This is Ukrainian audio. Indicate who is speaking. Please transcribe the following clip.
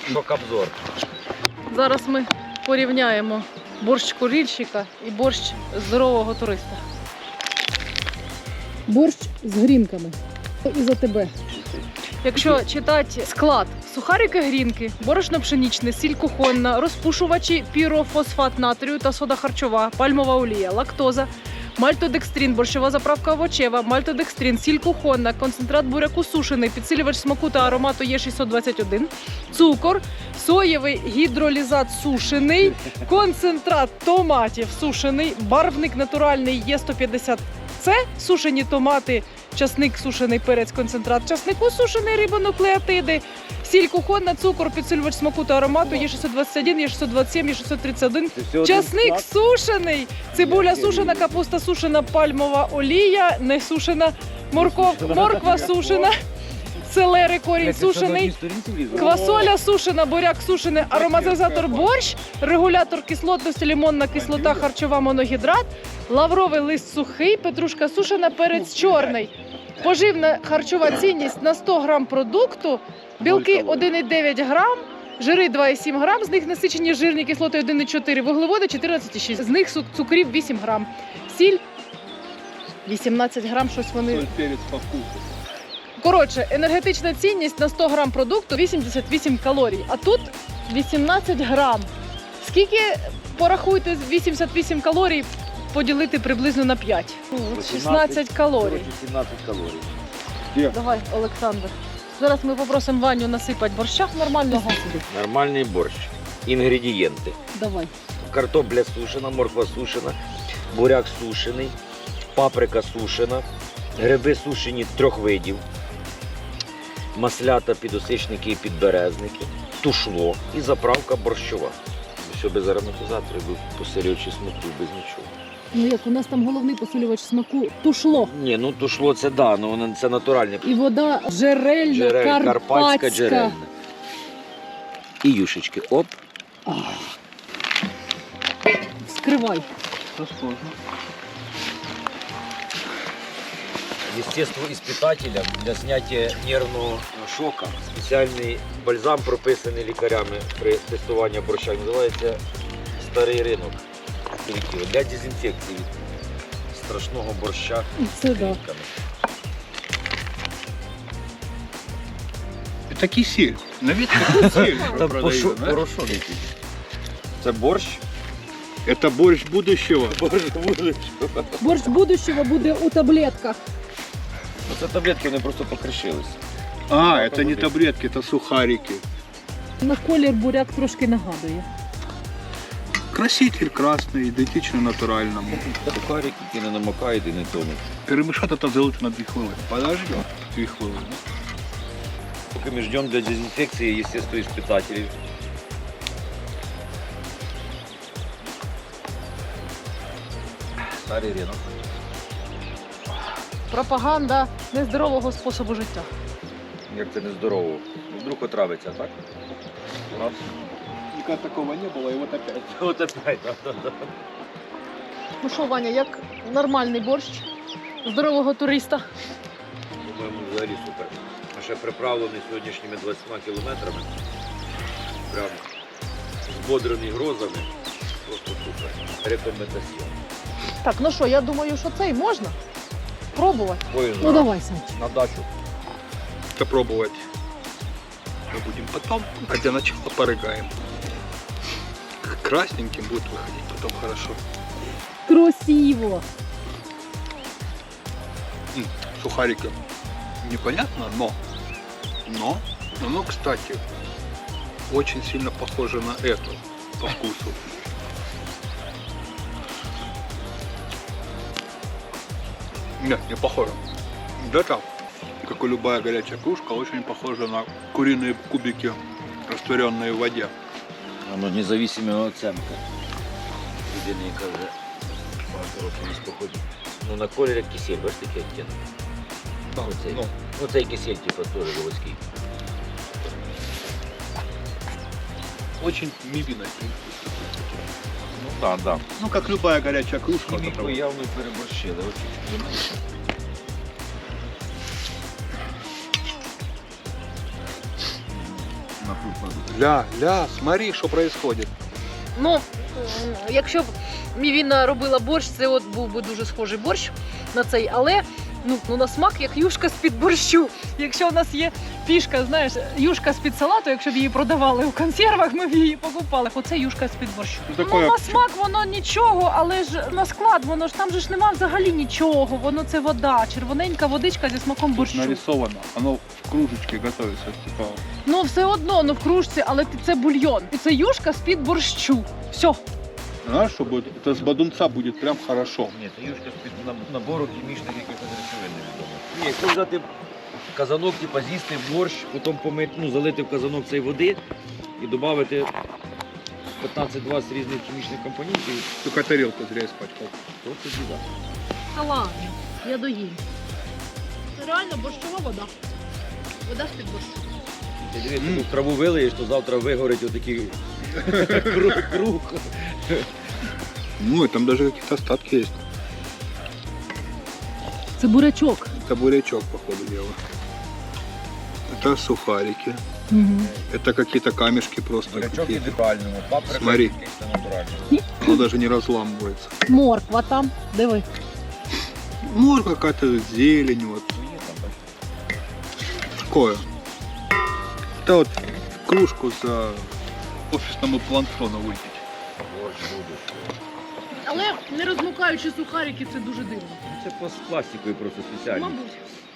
Speaker 1: Шок-обзор.
Speaker 2: Зараз ми порівняємо борщ курильщика і борщ здорового туриста. Борщ з грінками. І за тебе. Якщо читати склад: сухарики грінки, борошно пшенічне, сіль кухонна, розпушувачі пірофосфат натрію та сода харчова, пальмова олія, лактоза, мальтодекстрин, борщова заправка овочева, мальтодекстрин, сіль кухонна, концентрат буряку сушений, підсилювач смаку та аромату Є621, цукор, соєвий гідролізат сушений, концентрат томатів сушений, барвник натуральний Є150С, сушені томати, часник, сушений перець, концентрат часнику, сушений, рибонуклеотиди, сіль кухонна, цукор, підсилювач смаку та аромату Є621, Є627, Є631, часник сушений, цибуля сушена, капуста сушена, пальмова олія, не сушена, морква сушена, селери, корінь сушений, квасоля сушена, буряк сушений, ароматизатор борщ, регулятор кислотності, лимонна кислота, харчова моногідрат, лавровий лист сухий, петрушка сушена, перець чорний. Поживна харчова цінність на 100 грам продукту, білки 1,9 грам, жири 2,7 грам, з них насичені жирні кислоти 1,4, вуглеводи 14,6, з них цукрів 8 грам, сіль 18 грам, щось вони...
Speaker 3: Перець по вкусу.
Speaker 2: Коротше, енергетична цінність на 100 грам продукту 88 калорій, а тут 18 грам. Скільки, порахуйте, 88 калорій поділити приблизно на 5? 16 калорій.
Speaker 1: 17 калорій.
Speaker 2: Давай, Олександр. Зараз ми попросимо Ваню насипати борща нормального.
Speaker 1: Нормальний борщ. Інгредієнти.
Speaker 2: Давай.
Speaker 1: Картопля сушена, морква сушена, буряк сушений, паприка сушена, гриби сушені 3 видів, маслята, підосичники і підберезники, тушло і заправка борщова. Що без ароматизаторів, посилювачі смаку, без нічого.
Speaker 2: Ну як, у нас там головний посилювач смаку тушло.
Speaker 1: Ні, ну тушло це да, ну це натуральне.
Speaker 2: І вода джерельна, карпатська.
Speaker 1: джерельна. І юшечки. Оп.
Speaker 2: Вскривай.
Speaker 1: Естественно, испытателям для снятия нервного шока спеціальний бальзам, прописаний лікарями при тестуванні борща, називається старий ринок. Для дезінфекції від страшного борща з
Speaker 2: Це да.
Speaker 1: грінками.
Speaker 3: Это кисель. На вид как кисель
Speaker 1: Там
Speaker 3: продают, да?
Speaker 1: порошок якийсь. Це борщ?
Speaker 3: Это борщ будущего.
Speaker 2: Борщ будущого буде у таблетках.
Speaker 1: Це таблетки, вони просто покришились.
Speaker 3: А, это не таблетки, это сухарики.
Speaker 2: На колір буряк трошки нагадує.
Speaker 3: Краситель красный, идентично натуральному.
Speaker 1: Сухарики, які не намокають і не тонуть.
Speaker 3: Перемешать это залучше на 2 хвилини. Подождем 2 хвилини.
Speaker 1: Поки ми ждемо для дезінфекції, естественно, испытателів. Старий ринок.
Speaker 2: Пропаганда нездорового способу життя.
Speaker 1: Як це нездорово. Ну, вдруг отравиться, так? Раз.
Speaker 3: Никогда такого не было, и вот опять.
Speaker 1: От опять, да.
Speaker 2: Ну що, Ваня, як нормальний борщ здорового туриста?
Speaker 1: По-моєму, взагалі супер. А ще приправлений сьогоднішніми 20 кілометрами. Прям збодрений грозами. Просто супер. Рекомендаціон.
Speaker 2: Так, ну що, я думаю, що це і можна пробувати.
Speaker 1: Поїзд
Speaker 2: Ну давай, Санч.
Speaker 1: на дачу.
Speaker 3: Это пробовать мы будем потом, а для начала порыгаем. Красненьким будет выходить потом хорошо.
Speaker 2: Красиво.
Speaker 3: Сухарики. Непонятно, но оно, кстати, очень сильно похоже на это по вкусу. Нет, не похоже. Это, как и любая горячая кружка, очень похожа на куриные кубики, растворенные в воде.
Speaker 1: Воно независима оценка. Людина, яка вже багато років не споходить. Ну на колір як кисель, бачиш такий оттінок. Оцей. Оцей кисель, типу, теж заводський.
Speaker 3: Очень мивиной.
Speaker 1: Ну так, да.
Speaker 3: Ну, как любая горячая кружка. вот
Speaker 1: Хіміку
Speaker 3: это вот.
Speaker 1: явно переборщили.
Speaker 3: Ля, смотри, что происходит.
Speaker 2: Ну, якщо б Мівіна робила борщ, це от був би дуже схожий борщ на цей, але ну на смак як юшка з-під борщу. Якщо у нас є фішка, знаєш, юшка з-під салату, якщо б її продавали у консервах, ми б її покупали. Оце юшка з-під борщу.
Speaker 3: Ну, такое-
Speaker 2: на смак воно нічого, але ж на склад воно ж там же ж нема взагалі нічого. Воно це вода, червоненька водичка зі смаком борщу.
Speaker 3: Нарисовано. Оно в кружечке готовится. Типа,
Speaker 2: Ну все одно, ну в кружці, але це бульйон. І це юшка з-під борщу. Все.
Speaker 3: знаешь, что будет? Это с бадунца будет прям хорошо.
Speaker 1: Ні, це юшка з-під набору хімічних якихось речовин. Ні, якщо взяти казанок, типу, з'їсти борщ, потім помити, ну, залити в казанок цієї води і додати 15-20 різних хімічних компонентів,
Speaker 3: Только тарелку зря испачкал.
Speaker 1: то це біда.
Speaker 2: Та ладно, я доїм. Це реально борщова вода. Вода з-під борщу.
Speaker 1: Ти дивись, ти в траву вилиєш, то завтра вигорить отакий круг.
Speaker 3: Ну, и там даже какие-то остатки есть.
Speaker 2: Це бурячок.
Speaker 3: Это бурячок, по ходу дела. Это сухарики.
Speaker 2: Угу.
Speaker 3: Это какие-то камешки просто.
Speaker 1: Бурячок
Speaker 3: какие-то.
Speaker 1: ідеальному, паприка
Speaker 3: Смотри.
Speaker 1: якийсь натуральний.
Speaker 3: Оно даже не разламывается.
Speaker 2: Морква там, диви.
Speaker 3: Ну, какая-то зелень вот.
Speaker 1: Є там, бачиш.
Speaker 3: Такое. Это вот кружку за офисному планктону выпить.
Speaker 1: Борщ будеш.
Speaker 2: Але не розмукаючи сухарики, це дуже дивно.
Speaker 1: Це з пластикою просто спеціально.
Speaker 2: Мабуть.